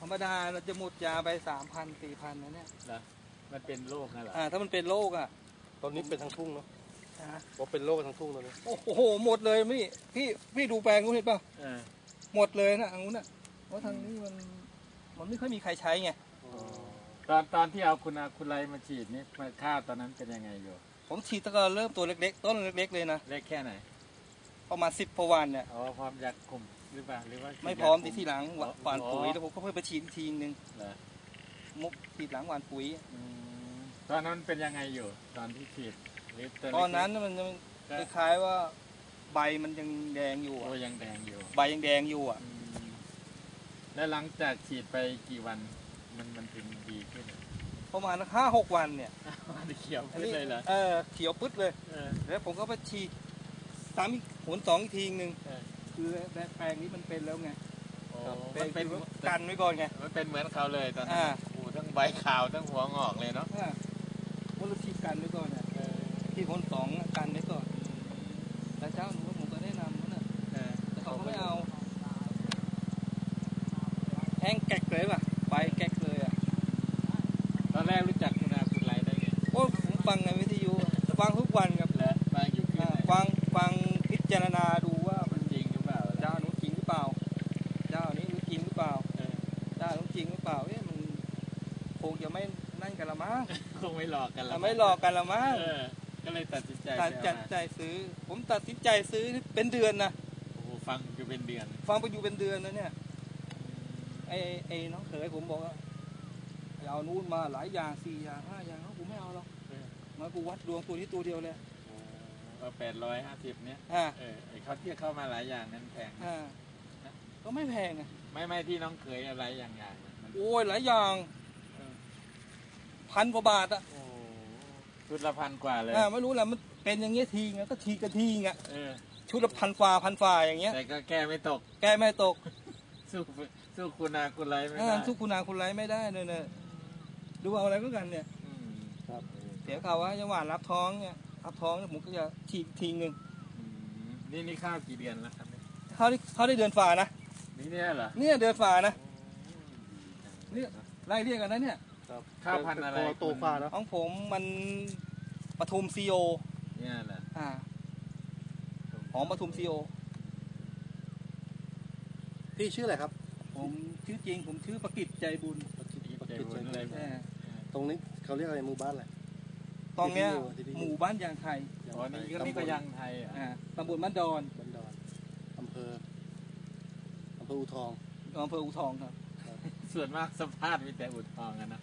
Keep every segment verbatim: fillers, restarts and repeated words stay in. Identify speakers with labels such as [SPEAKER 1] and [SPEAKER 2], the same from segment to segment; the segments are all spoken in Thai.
[SPEAKER 1] รมดาเราจะหมดยาไปสามพันสี่พันนะเนี่ย
[SPEAKER 2] เหรอมันเป็นโรคนะเหรอ
[SPEAKER 1] อ่าถ้ามันเป็นโรคอ่ะ
[SPEAKER 3] ตอนนี้เป็นทั้งทุ่งเนาะว่าเป็นโรคทั้งทุ่งตอนนี้
[SPEAKER 1] โอ้โหหมดเลยพี่พี่พี่ดูแปลงนู้นเห็นป่ะหมดเลยนะอันนู้นอ่ะเพราะทางนี้มันมันไม่ค่อยมีใครใช้ไง
[SPEAKER 2] ตอนตอนที่เอาคุณอาคุณไรมาฉีดนี่มาค่าตอนนั้นเป็นยังไงอยู่
[SPEAKER 1] ผมฉีดตั้งแต่เริ่มตัวเล็กๆต้นเล็กๆเลยนะ
[SPEAKER 2] เล็กแค่ไหน
[SPEAKER 1] ประมาณสิบพวันเนี่ย
[SPEAKER 2] อ๋อพร้อมยาคุมหรือเปล่าหรือว่า
[SPEAKER 1] ไม่พร้อมทีหลังหว่านปุ๋ยแล้วผมก็เพิ่มไปฉีดทีนึงมุกฉีดหลังหว่านปุ๋ย
[SPEAKER 2] ตอนนั้นเป็นยังไงอยู่ตอนที่ฉีด
[SPEAKER 1] ตอนนั้นมันคล้ายๆว่าใบมันยังแดงอยู่
[SPEAKER 2] โอ้ยังแดงอยู่
[SPEAKER 1] ใบยังแดงอยู่อ่ะ
[SPEAKER 2] แล้วหลังจากฉีดไปกี่วันมันมันถึงดีขึ้น
[SPEAKER 1] ประมาณห้าหกวันเนี่ย
[SPEAKER 2] เขียวปึ๊ดเลยเหรอ
[SPEAKER 1] เออเขียวปึ๊ดเลยแล้วผมก็ไปฉีดสามหนสองอีกทีนึงคือแปลงนี้มันเป็นแล้วไง
[SPEAKER 2] มันเป็น
[SPEAKER 1] กันไว้ก่อนไง
[SPEAKER 2] มันเป็นเหมือนเขาเลยตอนนั้นโอ้ทั้งใบขาวทั้งหัวงอกเลยเนาะ
[SPEAKER 1] เพราะเราฉีดกันไว้ก่อนเนี่ยที่หนสองกันไว้ก่อนแต่เจ้าหนูผมก็แนะนำเขาเนี่ยแต่เขาไม่เอาแห้งแกะเลยป่ะใบแกะเลยอ่ะ
[SPEAKER 2] ตอนแรกรู้จักคุณอาคุณไรได้ไง
[SPEAKER 1] โอ้ผมฟังในวิทยุฟังทุกวันครับ
[SPEAKER 2] แล้วฟังอยู่
[SPEAKER 1] ฟังฟังพิจารณาดูว่า
[SPEAKER 2] มันจริงหรือเปล่า
[SPEAKER 1] เจ้าหนูจริงหรือเปล่าเจ้านี้รู้จริงหรือเปล่าเจ้าหนูจริงหรือเปล่าเอ๊ะมันคงจะไม่นั่นกันละมั้ง
[SPEAKER 2] คงไม่หลอกกันละ
[SPEAKER 1] ไม่หลอกกันละมั้ง
[SPEAKER 2] ก็เลยตัดสินใจ
[SPEAKER 1] ตัดสินใจซื้อผมตัดสินใจซื้อเป็นเดือนนะ
[SPEAKER 2] โอ้ฟังอยู่เป็นเดือน
[SPEAKER 1] ฟังไปอยู่เป็นเดือนนะเนี่ยไอ้ไอ้น้องเขยผมบอกว่าเอานู่นมาหลายอย่างสี่อย่างห้าอย่างเขากูไม่เอาหรอกมากูวัดดวงตัวนี้ตัวเดียวเลย
[SPEAKER 2] ก็แปดร้อยห้าสิบเนี้ยเออไอ้เขาเทียบเข้ามาหลายอย่างนั้นแพง
[SPEAKER 1] ก็ไม่แพงไง
[SPEAKER 2] ไม่ไม่ที่น้องเคยอะไรอย่างอย่าง
[SPEAKER 1] โอ้ยหลายอย่างพันกว่าบาทอ่ะ
[SPEAKER 2] ชุดละพันกว่าเลย
[SPEAKER 1] ไม่รู้แหละมันเป็นอย่างเงี้ยทีไงก็ทีกันทีไงชุดละพันฝ่าพันฝ่าอย่างเงี้ย
[SPEAKER 2] แต่ก็แก้ไม่ตก
[SPEAKER 1] แก้ไม่ตก
[SPEAKER 2] สู้สู้คุณอาคุณไรไม่ได้
[SPEAKER 1] สู้คุณอาคุณไรไม่ได้เลยเนี่ยดูเอาอะไรก็กันเนี่ยเสียข่าวว่าจังหวัดรับท้องเนี่ยรับท้องผมก็จะฉีดทีนึง
[SPEAKER 2] นี่นี่ข้าวกี่เดือนแล้วครับ
[SPEAKER 1] เขาได้เขาได้เดือนฝ่านะ
[SPEAKER 2] นี่เนี่ยเหรอ
[SPEAKER 1] เนี่ยเดือนฝ่านะเนี่ยไล่เรียกกันนะเนี่ย
[SPEAKER 2] ข้าวพันธุ์อะไร
[SPEAKER 3] โตฝ่านะ
[SPEAKER 1] ของผมมันปทุมซีโอ
[SPEAKER 2] เนี่ยแหละ
[SPEAKER 1] อ่าหอมปทุมซีโอ
[SPEAKER 3] พี่ชื่ออะไรครับ
[SPEAKER 1] ผมชื่อจริงผมชื่อประกิตใจบุญ
[SPEAKER 2] ประกิตใจบุญอะไร
[SPEAKER 3] ตรงนี้เขาเรียกอะไรหมู่บ้านอะไร
[SPEAKER 1] ตรงเนี้ยหมู่บ้านยางไทย
[SPEAKER 2] อ๋อนี่ก็นี่ก็ยางไทยอ่
[SPEAKER 1] าตำบลบ้านดอน
[SPEAKER 3] บ้านดอนอำเภออำเภออู่ทอง
[SPEAKER 1] อำเภออู่ทองครับ
[SPEAKER 2] ส่วนมากสัมภาษณ์มีแต่อู่ทองกันนะ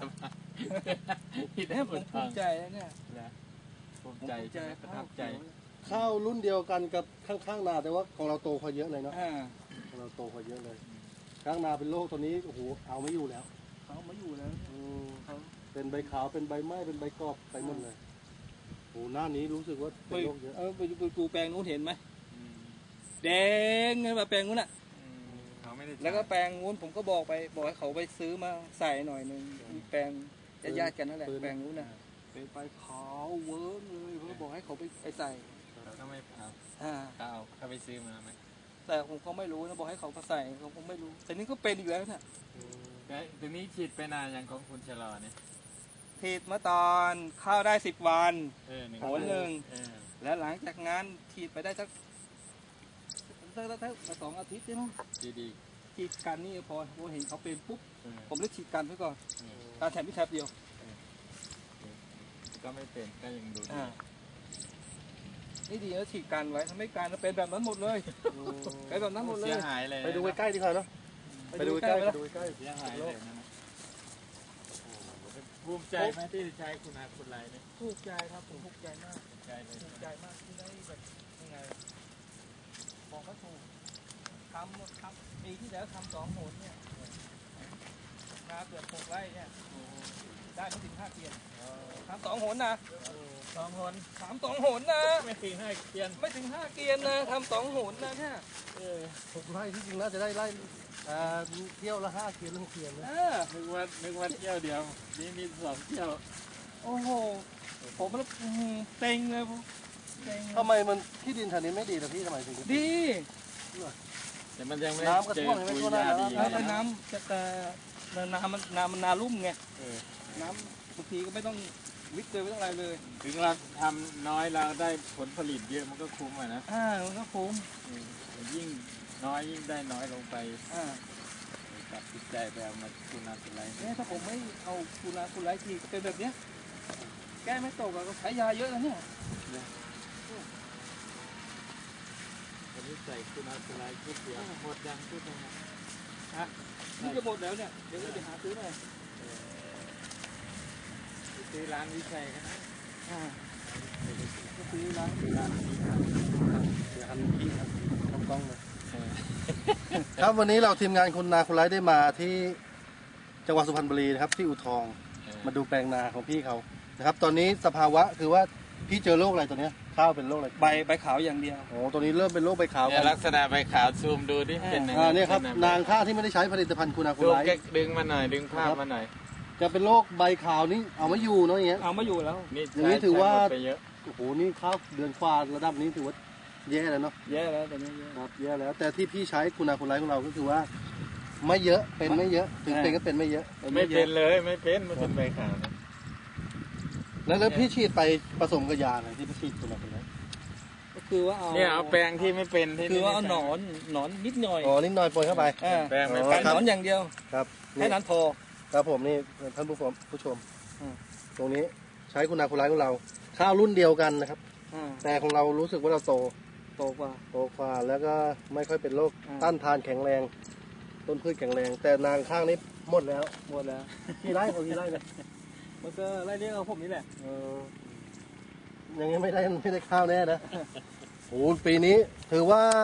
[SPEAKER 1] ที่ได้ผมภูมิใจเนี่ย
[SPEAKER 2] ภูมิใจใจประทับใจ
[SPEAKER 3] ข้าวรุ่นเดียวกันกับข้างๆนาแต่ว่าของเราโตพอเยอะเลยเนาะของเราโตพอเยอะเลยข้างนาเป็นโรคตัวนี้โอ้โหเอาไม่อยู่แล้ว
[SPEAKER 1] เขาไม่อยู่แล้ว
[SPEAKER 3] เป็นใบขาวเป็นใบไม้เป็นใบกรอบไปหมดเลยโอ้หน้านี้รู้สึกว่าเป็นโรคเยอะ
[SPEAKER 1] เออไปดูแปลงนู้นเห็นไหมแดงไงแบบแปลงนู้นอ่ะแล้วก็แปลงนู้นผมก็บอกไปบอกให้เขาไปซื้อมาใส่หน่อยนึงแปลงญาติกันนั่นแหละแปลงนู้นน่ะเป็นใบขาวเวิร์กเลยเขาบอกให้เขาไปไปใส่
[SPEAKER 2] ก็ไม่เอา
[SPEAKER 1] อ่า
[SPEAKER 2] เขาเอาเขาไปซื้อมาไหม
[SPEAKER 1] แต่ผมก็ไม่รู้นะบอกให้เขาไปใส่เขาคงไม่รู้แต่นี่ก็เป็นอีกแล้วเนี่ย
[SPEAKER 2] ทีนี้ฉีดไปนานอย่างของคุณชะลอเนี่ย
[SPEAKER 1] ฉีดเมื่อตอนเข้าได้สิบวันหนหนึ่งแล้วหลังจากนั้นฉีดไปได้สักสักสักสองอาทิตย์ใช่ไหม
[SPEAKER 2] ดีดี
[SPEAKER 1] ฉีดกันนี่พอผมเห็นเขาเป็นปุ๊บผมเลยฉีดกันไว้ก่อนการแถมพิแทบเดียว
[SPEAKER 2] ก็ไม่เป็นก็ยังดูดี
[SPEAKER 1] นี่ดีแล้วฉีดกันไว้ทำให้การเป็นแบบนั้นหมดเลยเป็นแบบนั้นหมดเลย
[SPEAKER 2] เสียหายเลย
[SPEAKER 3] ไปดูใกล้ๆดีกว่าเนาะไปดูใกล้ไปดูใกล้
[SPEAKER 2] เสียหายเลยนะภูมิใจไหมที่ใช้คุณอาคุณไรเนี่ย
[SPEAKER 1] ภูมิใจครับผมภูมิใจมาก
[SPEAKER 2] ภูมิใจเลย
[SPEAKER 1] ภูมิใจมากที่ได้แบบยังไงบอกก็ถูกทำทำปีที่แล้วทำสองหนเนี่ยนาเกือบหกไร่เนี่ยได้ไม่ถึงห้าเกียนทำสองหนนะ
[SPEAKER 2] สองหน
[SPEAKER 1] สามสองหนนะ
[SPEAKER 2] ไม่ถึงห้าเกียน
[SPEAKER 1] ไม่ถึงห้าเกียนนะทำสองหนนะเนี่ย
[SPEAKER 3] หกไร่ที่จริงน่าจะได้ไร่เที่ยวละห้าเกียนหกเกียนนะ
[SPEAKER 2] นึกว่านึกว่าเที่ยวเดียวนี่มีสองเที่ยว
[SPEAKER 1] โอ้โหผมมันเต็งเลย
[SPEAKER 3] ทำไมมันที่ดินแถวนี้ไม่ดีล่ะพี่ทำไมถึง
[SPEAKER 1] ดี
[SPEAKER 2] แต่แต่มันยังไม่
[SPEAKER 3] น้ำก็
[SPEAKER 2] เจอ
[SPEAKER 3] ท่วมยังไม่
[SPEAKER 2] ปุ๋ย
[SPEAKER 3] ท่วมหน้าย
[SPEAKER 2] า
[SPEAKER 3] แล้ว
[SPEAKER 2] ดี
[SPEAKER 1] แล้ว
[SPEAKER 2] นะ
[SPEAKER 1] น้ำจะแต่น้ำมันน้ำมันนาลุ่มไง
[SPEAKER 2] เออ
[SPEAKER 1] น้ำบางทีก็ไม่ต้องวิทย์เลยไม่ต้องอะไรเลย
[SPEAKER 2] ถึงเราทำน้อยเราได้ผลผลิตเยอะมันก็คุ้มอ่ะนะ
[SPEAKER 1] อ่ามันก็คุ้ม
[SPEAKER 2] เออยิ่งน้อยยิ่งได้น้อยลงไป
[SPEAKER 1] อ่า
[SPEAKER 2] ตัดสินใจไปเอามาคุณนาเป็นไร
[SPEAKER 1] เนี่ยถ้าผมไม่เอาคูนาคูไลทีก็เป็นแบบเนี้ยแก้ไม่ตกอะก็ใช้ยาเยอะนะเนี่ย
[SPEAKER 2] วันนี้ใส่คุณนาเป็นไรชุดเดียวหมดยังชุดยัง
[SPEAKER 1] นี่จะหมดแล้วเนี่ยเดี๋ยวเราไปหาซื้อหน่อย
[SPEAKER 2] ซื้อร้านวิชัยกันนะ
[SPEAKER 1] อ่าก็ซื้อร้าน
[SPEAKER 2] ร้านนี้
[SPEAKER 3] เดี๋ยวหันพี่ครับทำกล้องเลยครับวันนี้เราทีมงานคุณนาคุณไลฟ์ได้มาที่จังหวัดสุพรรณบุรีนะครับที่อู่ทองมาดูแปลงนาของพี่เขานะครับ ตอนนี้สภาวะคือว่าพี่เจอโรคอะไรตัวเนี้ยข้าวเป็นโรคอะไร
[SPEAKER 1] ใบใบขาวอย่างเดียว
[SPEAKER 3] โอ้ตัวนี้เริ่มเป็นโรคใบขาว
[SPEAKER 2] เนี่
[SPEAKER 3] กั
[SPEAKER 2] ย
[SPEAKER 3] น
[SPEAKER 2] ลักษณะใบขาวซูมดูดิเป็นยังไง
[SPEAKER 3] อ่าเนี่ยครับนางข้าวที่ไม่ได้ใช้ผลิตภัณฑ์คุณนาคุณ
[SPEAKER 2] ซูม
[SPEAKER 3] ไลฟ์
[SPEAKER 2] แกดึงมาหน่อยดึงภาพมาหน่อย
[SPEAKER 3] จะเป็นโรคใบขาวนี่เอาไม่อยู่เนาะอย่างเงี้ย
[SPEAKER 1] เอาไม่อยู่แล้ว
[SPEAKER 2] นี่
[SPEAKER 3] อย่างนี้ถือว่า
[SPEAKER 2] ใช้หมดไปเยอะ
[SPEAKER 3] โอ้โหนี่ข้าวเดือนกว่าระดับนี้ถือว่าแย่แล้วเนาะ
[SPEAKER 1] แย่แล้วแต่นี้แย่
[SPEAKER 3] ครับแย่แล้ว แต่ที่พี่ใช้คุณนาคุณไลฟ์ของเราก็คือว่า ไม่เยอะเป็นไม่เยอะ ถึงเป็นก็เป็นไม่เยอะ
[SPEAKER 2] ไม่เป็นเลยไม่เป็นมันเป็นใบขาวนะ
[SPEAKER 3] แล้วแล้วพี่ฉีดไปผสมกับยาอะไรที่พี่ฉีดคุณนาคุณไลฟ์
[SPEAKER 1] ก็คือว่าเอา
[SPEAKER 2] เนี่ยเอาแปลงที่ไม่เป็นที่
[SPEAKER 1] คือว่าเอาหนอนหนอนนิดหน่อย
[SPEAKER 3] อ๋อนิดหน่อยปนเข้าไป
[SPEAKER 1] อ่า
[SPEAKER 2] แปลงไม่
[SPEAKER 3] อ๋อ
[SPEAKER 2] เป็
[SPEAKER 1] กาน รหนอนอย่างเดียว
[SPEAKER 3] ครับ
[SPEAKER 1] แค่
[SPEAKER 3] นี่
[SPEAKER 1] นั้นพอ
[SPEAKER 3] ครับผมนี่ท่านผู้ชมผู้ชม
[SPEAKER 1] อืม
[SPEAKER 3] ตรงนี้ใช้คุณนาคุณไลฟ์ของเรา ข้าวรุ่นเดียวกันนะครับ
[SPEAKER 1] อ่า
[SPEAKER 3] แต่ของเรารู้สึกว่าเราโต
[SPEAKER 1] โตกว่า
[SPEAKER 3] โตกว่าแล้วก็ไม่ค่อยเป็นโรค
[SPEAKER 1] อ่า
[SPEAKER 3] ต้านทานแข็งแรง ต้นพืชแข็งแรง แต่นางข้างนี้หมดแล้ว
[SPEAKER 1] หมดแล้ว
[SPEAKER 3] กี่ไร่เขากี่ไร่เนี่ย
[SPEAKER 1] มันก็ไล่เรียกเอาผมนี่แหละ
[SPEAKER 3] เออยังไงไม่ได้ไม่ได้ข้าวแน่นะโอ้ปีนี้ถือว่า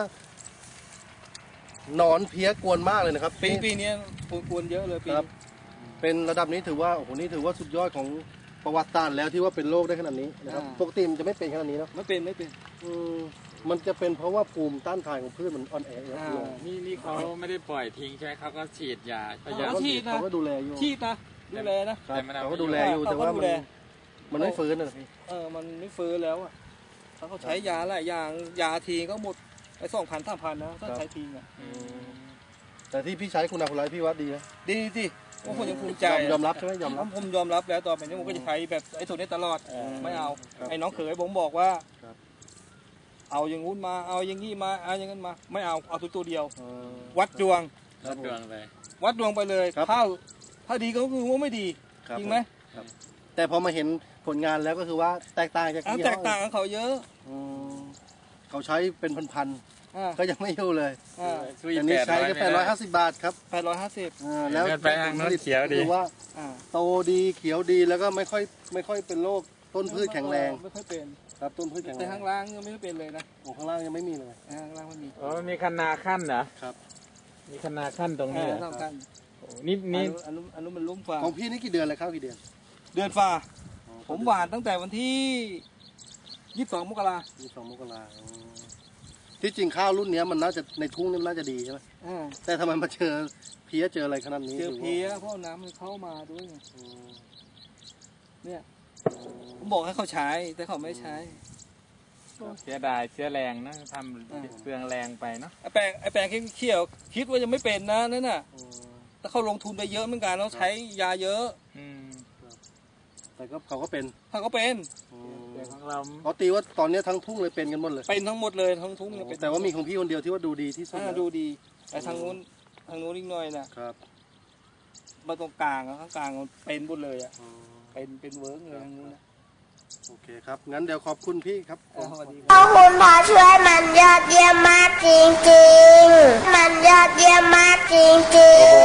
[SPEAKER 3] หนอนเพี้ยกวนมากเลยนะครับ
[SPEAKER 1] ปีปีนี้กวนเยอะเลยปี
[SPEAKER 3] ครับ เป็นระดับนี้ถือว่าโอ้โหนี่ถือว่าสุดยอดของประวัติศาสตร์แล้วที่ว่าเป็นโรคได้ขนาดนี้นะครับปกติมันจะไม่เป็นขนาดนี้เนาะ
[SPEAKER 1] ไม่เป็นไม่เป็น
[SPEAKER 3] อืมมันจะเป็นเพราะว่าภูมิต้านทานของพืชมันอ่อนแอเยอะ
[SPEAKER 1] อ่า
[SPEAKER 3] ลง
[SPEAKER 2] นี่นี่เขาไม่ได้ปล่อยทิ้งใช่ไหมเขาก็ฉีดยาพยายาม
[SPEAKER 1] เขา ฉีดนะ
[SPEAKER 3] เขาก็ดูแลอยู่
[SPEAKER 1] ชีพนะดูแลนะ
[SPEAKER 3] ครับ
[SPEAKER 2] แต่มันเอา
[SPEAKER 3] เขาก็ดูแลอยู่
[SPEAKER 1] เขาก็
[SPEAKER 3] แต่ว่า
[SPEAKER 1] ดู
[SPEAKER 3] มัน
[SPEAKER 1] แล
[SPEAKER 3] มันไม่ฟื้นนะพี่
[SPEAKER 1] เออมันไม่ฟื้นแล้วอ่ะถ้าเขาใช้ยาหลายอย่างยาทีก็หมดไปสองพันสามพันนะถ้าใช้ทีอ่ะ
[SPEAKER 2] อืม
[SPEAKER 3] แต่ที่พี่ใช้คุณอาคุณไลพี่วัดดีนะ
[SPEAKER 1] ดีสิว่าผมยังภูมิใจ
[SPEAKER 3] ยอมรับใช่ไหมยอมรับ
[SPEAKER 1] ผมยอมรับแล้วต่อไปนี้ผมก็จะใช้แบบไอ้ตัวนี้ตลอด
[SPEAKER 3] อืม
[SPEAKER 1] ไม่เอา
[SPEAKER 3] ครับ
[SPEAKER 1] ไอ้น้องเขยผมบอกว่า
[SPEAKER 3] ครับ
[SPEAKER 1] เอาอย่างงู้นมาเอาอย่างงี้มาเอาอย่างนั้นมาไม่เอาเอาตัวตัวเดียว
[SPEAKER 3] เออ
[SPEAKER 1] วัดดวง
[SPEAKER 2] รับดวงเลย
[SPEAKER 1] วัดดวงไปเลย
[SPEAKER 3] ครับ
[SPEAKER 1] ถ้าถ้าดีก็คือว่าไม่ดี
[SPEAKER 3] ครับ
[SPEAKER 1] จริงไหม
[SPEAKER 3] ครับแต่พอมาเห็นผลงานแล้วก็คือว่าแตกต่างจาก
[SPEAKER 1] อ่ะ
[SPEAKER 3] ที่
[SPEAKER 1] แตกต่างกับเขาเยอะ
[SPEAKER 3] อืมเขาใช้เป็นพัน
[SPEAKER 1] อ่า
[SPEAKER 3] ๆก็ยังไม่อยู่เลย
[SPEAKER 1] อ่า
[SPEAKER 3] แต่นี้ใช้แค่แปดร้อยห้าสิบบาทครับ
[SPEAKER 1] แปดร้อยห้าสิบ
[SPEAKER 3] อ่าแล้ว
[SPEAKER 2] เดินไปทางโน้นเขียวดี
[SPEAKER 3] คือว่า
[SPEAKER 1] อ่า
[SPEAKER 3] โตดีเขียวดีแล้วก็ไม่ค่อยไม่ค่อยเป็นโรคต้นพืชแข็งแรง
[SPEAKER 1] ไม่ค่อยเป็น
[SPEAKER 3] ครับต้นพืชแข็งแร
[SPEAKER 1] แต่
[SPEAKER 3] ง
[SPEAKER 1] ข้างล่างยังไม่ได้เป็นเลยนะ
[SPEAKER 3] โอ้ข้างล่างยังไม่มีเลย
[SPEAKER 1] อ่าข้างล่างไม่มี
[SPEAKER 2] อ๋อมีคณาขั้นเหรอ
[SPEAKER 3] ครับ
[SPEAKER 2] มีคณาขั้นตรงนี้เหรอ
[SPEAKER 1] อ่าสำคัญ
[SPEAKER 2] โอ้นี่นี่
[SPEAKER 1] อันนู้นอันนู้นมันลุ่มฟ้า
[SPEAKER 3] ของพี่นี่กี่เดือนเลยข้าวกี่เดือน
[SPEAKER 1] เดือนฟ้าผมหวานตั้งแต่วันที่ยี่สิบสองมกรา
[SPEAKER 3] มีสองมกราอ๋อที่จริงข้าวรุ่นเนี้ยมันน่าจะในทุ่งนี่มันน่าจะดีใช่ไหม
[SPEAKER 1] อ่า
[SPEAKER 3] แต่ทำไมมาเจอเพี้ยเจออะไรขนาดนี้
[SPEAKER 1] เจอ
[SPEAKER 3] ถืว่า
[SPEAKER 1] เพี้ยเพราะน้ำมันเข้ามาด้วยไง
[SPEAKER 3] อืม
[SPEAKER 1] เนี่ยผมบอกให้เขาใช้แต่เขาไม่ใช้
[SPEAKER 2] เสียดายเสียแรงนะทำเปลืองแรงไปเนาะ
[SPEAKER 1] ไอ้แปลงไอ้แปลงเขียวๆคิดว่ายังไม่เป็นนะนั่นน่ะ
[SPEAKER 3] อืม
[SPEAKER 1] แต่เขาลงทุนไปเยอะเหมือนกันต้องใช้ยาเยอะ
[SPEAKER 2] อืม
[SPEAKER 3] แต่ก็เขาก็เป็น
[SPEAKER 1] เขาก็เป็น
[SPEAKER 3] อืม
[SPEAKER 2] แต่ของเรา
[SPEAKER 3] เขาตีว่าตอนนี้ทั้งทุ่งเลยเป็นกันหมดเลย
[SPEAKER 1] เป็นทั้งหมดเลยทั้งทุ่งเนี่ยเป็น
[SPEAKER 3] แต่ว่ามีของพี่คนเดียวที่ว่าดูดีที่สุด
[SPEAKER 1] อ่า
[SPEAKER 3] แล้ว
[SPEAKER 1] ดูดีแต่ทางนู้นทางนู้นอีกหน่อยนะครับ มาตรงกลางอะข้างกลางมันเป็นหมดเลยอ่ะ
[SPEAKER 3] อืม
[SPEAKER 1] เป็นเป็นเวิร์กเลยทางนู้นนะ
[SPEAKER 3] โอเคครับงั้นเดี๋ยวขอบคุณพี่ครับ
[SPEAKER 1] อ่าสวัสดีครับ
[SPEAKER 4] ขอบคุณพอช่วยมันยอดเยี่ยมมากจริงๆ มันยอดเยี่ยมมากจริงๆ